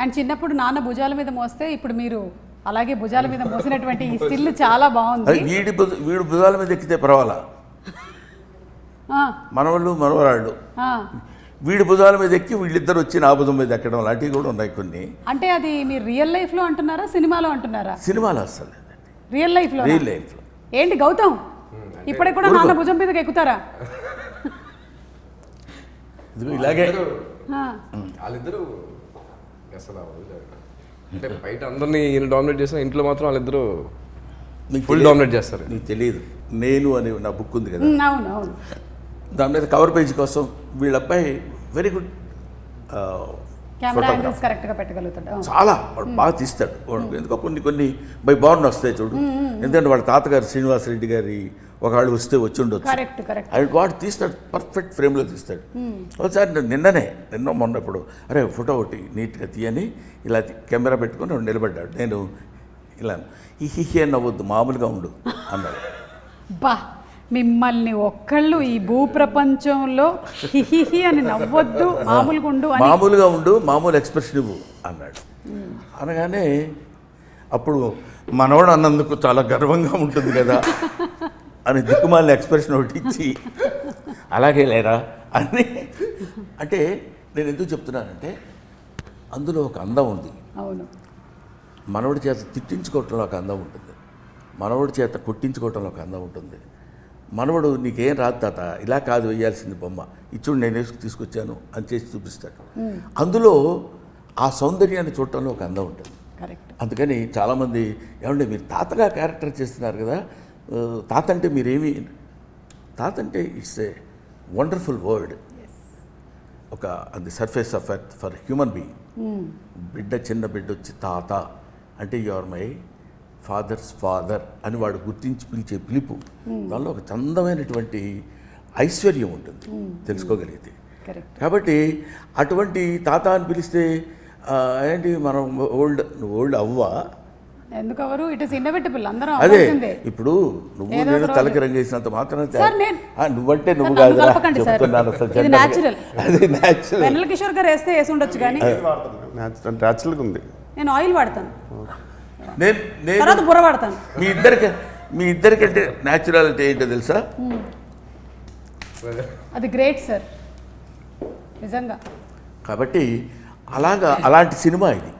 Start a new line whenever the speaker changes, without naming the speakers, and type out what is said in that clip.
And చిన్నప్పుడు నాన్న భుజాల మీద మోస్తే ఇప్పుడు మీరు అలాగే భుజాల మీద మోసినటువంటి ఈ స్టిల్ చాలా బాగుంది.
వీడు భుజాల మీద ఎక్కితే పర్వాలా, మనవాళ్ళు మనవరాళ్ళు వీడి భుజాల మీద ఎక్కి వీళ్ళిద్దరు వచ్చి నా భుజం మీద ఎక్కడం లాంటివి కూడా ఉన్నాయి కొన్ని.
అంటే అది మీరు రియల్ లైఫ్లో అంటున్నారా, సినిమాలో అంటున్నారా?
సినిమాలో అసలు లేదండి,
రియల్ లైఫ్లో.
రియల్ లైఫ్లో.
ఏంటి గౌతమ్, ఇప్పటికి కూడా నాన్న భుజం మీదకి ఎక్కుతారా?
ఇలాగే
వాళ్ళిద్దరూ అసలు అంటే బయట అందరినీ ఈయన డామినేట్ చేసిన, ఇంట్లో మాత్రం వాళ్ళిద్దరూ ఫుల్ డామినేట్ చేస్తారు.
నీకు తెలియదు, నేను అని నా బుక్ ఉంది కదా,
అవును అవును,
దాని మీద కవర్ పేజ్ కోసం వీళ్ళ అబ్బాయి వెరీ గుడ్
కెమెరా యాంగిల్స్ కరెక్ట్గా పెట్టగలుగుతాడు,
చాలా వాడు బాగా తీస్తాడు. ఎందుకో కొన్ని బై బార్న్ వస్తాయి చూడు, ఎందుకంటే వాళ్ళ తాతగారు శ్రీనివాసరెడ్డి గారి ఒకళ్ళు వస్తే వచ్చి ఉండొచ్చు, వాడు తీస్తాడు, పర్ఫెక్ట్ ఫ్రేమ్లో తీస్తాడు. ఒకసారి నిన్న మొన్నప్పుడు అరే ఫోటో ఒకటి నీట్గా తీయని ఇలా కెమెరా పెట్టుకొని వాడు నిలబడ్డాడు. నేను ఇలా హిహి అని నవ్వద్దు, మామూలుగా ఉండు అన్నాడు.
బా, మిమ్మల్ని ఒక్కళ్ళు ఈ భూప్రపంచంలో హిహిహి అని నవ్వొద్దు, మామూలుగా ఉండు,
మామూలు ఎక్స్ప్రెషన్ ఇవ్వు అన్నాడు. అనగానే అప్పుడు మనవాడు అన్నందుకు చాలా గర్వంగా ఉంటుంది కదా అని దిక్కుమాలిన ఎక్స్ప్రెషన్ ఒకటి ఇచ్చి అలాగే లేరా అని. అంటే నేను ఎందుకు చెప్తున్నానంటే అందులో ఒక అందం ఉంది.
అవును,
మనవడి చేత తిట్టించుకోవటంలో ఒక అందం ఉంటుంది, మనవడి చేత కొట్టించుకోవటంలో ఒక అందం ఉంటుంది. మనవడు నీకేం రాదు తాత, ఇలా కాదు వేయాల్సింది బొమ్మ, ఇచ్చుడు నేను వేసుకు తీసుకొచ్చాను అని చేసి చూపిస్తాడు. అందులో ఆ సౌందర్యాన్ని చూడటంలో ఒక అందం ఉంటుంది. అందుకని చాలామంది ఏమంటే మీరు తాతగా క్యారెక్టర్ చేస్తున్నారు కదా, తాత అంటే మీరేమి, తాత అంటే ఇట్స్ ఏ వండర్ఫుల్ వర్డ్, ఒక on the surface of earth for human being. చిన్న బిడ్డ వచ్చి తాత అంటే you are my father's father అని వాడు గుర్తించి పిలిచే పిలుపు, దానిలో ఒక చందమైనటువంటి ఐశ్వర్యం ఉంటుంది తెలుసుకోగలిగితే. కాబట్టి అటువంటి తాత అని పిలిస్తే ఏంటి మనం ఓల్డ్ అవ్వా,
ఎందుకవరు, ఇట్ ఇస్ ఇన్నోవేటబుల్, అందరం
అదే. ఇప్పుడు నువ్వు నేను తలకి రంగేసినంత మాత్రం నువ్వంటే నువ్వు కాదు చెప్తున్నాను. అది న్యాచురల్.
వెన్నెల కిషోర్ గారు వేస్తే వేసి ఉండొచ్చు, కానీ
న్యాచురల్గా ఉంది.
నేను ఆయిల్ వాడతాను,
నేను
బుర్ర వాడతాను.
మీ ఇద్దరికంటే న్యాచురాలిటీ ఏంటో తెలుసా?
అది గ్రేట్ సార్, నిజంగా.
కాబట్టి అలాంటి సినిమా ఇది.